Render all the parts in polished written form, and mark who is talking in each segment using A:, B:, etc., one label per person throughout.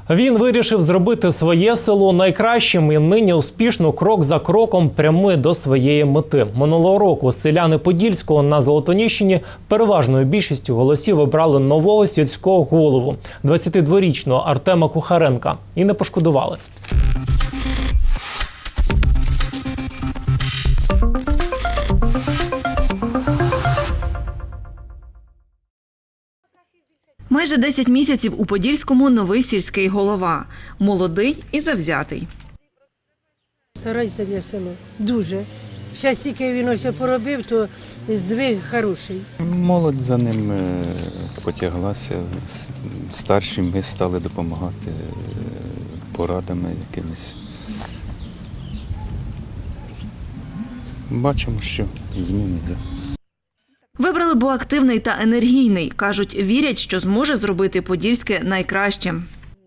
A: Він вирішив зробити своє село найкращим і нині успішно крок за кроком прямує до своєї мети. Минулого року селяни Подільського на Золотоніщині переважною більшістю голосів обрали нового сільського голову – 22-річного Артема Кухаренка. І не пошкодували.
B: Майже 10 місяців у Подільському новий сільський голова. Молодий і завзятий.
C: Старається для села. Дуже. Зараз тільки він ось поробив, то здвиг хороший.
D: Молодь за ним потяглася. Старші ми стали допомагати порадами якимись. Бачимо, що зміни йде.
B: Вибрали, бо активний та енергійний. Кажуть, вірять, що зможе зробити Подільське найкращим.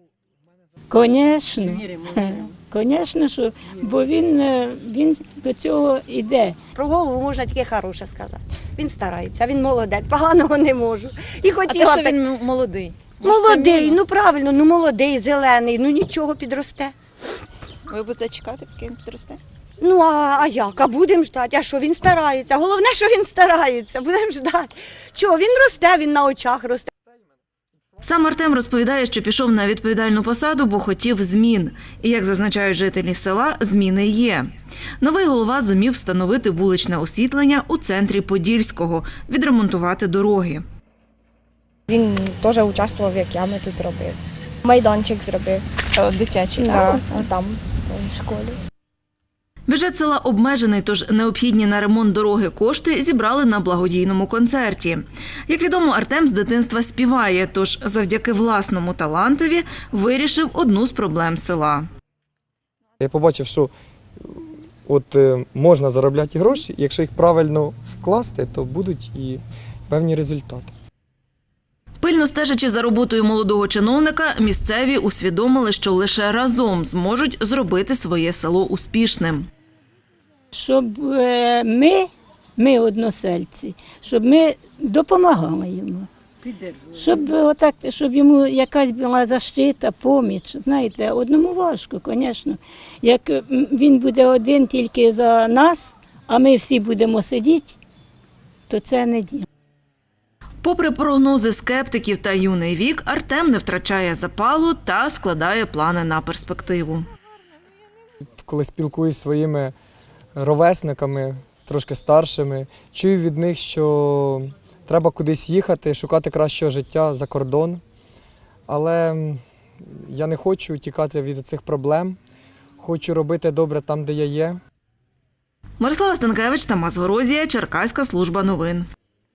E: Звісно, що, бо він до цього йде.
F: Про голову можна тільки хороше сказати. Він старається, він молодець, поганого не можу. І
B: А що він молодий?
F: Молодий, ну правильно, ну молодий, зелений, ну нічого, підросте.
B: Ви будете чекати, поки він підросте?
F: Ну а як? А будемо ждати. А що, він старається? Головне, що він старається, будемо ждати. Чого, він росте, він на очах росте.
B: Сам Артем розповідає, що пішов на відповідальну посаду, бо хотів змін. І, як зазначають жителі села, зміни є. Новий голова зумів встановити вуличне освітлення у центрі Подільського, відремонтувати дороги.
G: Він теж участвував, як я, ми тут робив. Майданчик зробив. Дитячий, так? Там, в школі.
B: Бюджет села обмежений, тож необхідні на ремонт дороги кошти зібрали на благодійному концерті. Як відомо, Артем з дитинства співає, тож завдяки власному талантові вирішив одну з проблем села.
H: Я побачив, що можна заробляти гроші, і якщо їх правильно вкласти, то будуть і певні результати.
B: Пильно стежачи за роботою молодого чиновника, місцеві усвідомили, що лише разом зможуть зробити своє село успішним.
E: Щоб ми односельці, щоб ми допомагали йому. Щоб йому якась була защита, поміч. Знаєте, одному важко, звісно. Як він буде один тільки за нас, а ми всі будемо сидіти, то це не діло.
B: Попри прогнози скептиків та юний вік, Артем не втрачає запалу та складає плани на перспективу.
H: Коли спілкуюсь зі своїми ровесниками, трошки старшими, чую від них, що треба кудись їхати, шукати кращого життя за кордон. Але я не хочу тікати від цих проблем, хочу робити добре там, де я є.
B: Мирослава Станкевич, Тамас Горозія, Черкаська служба новин.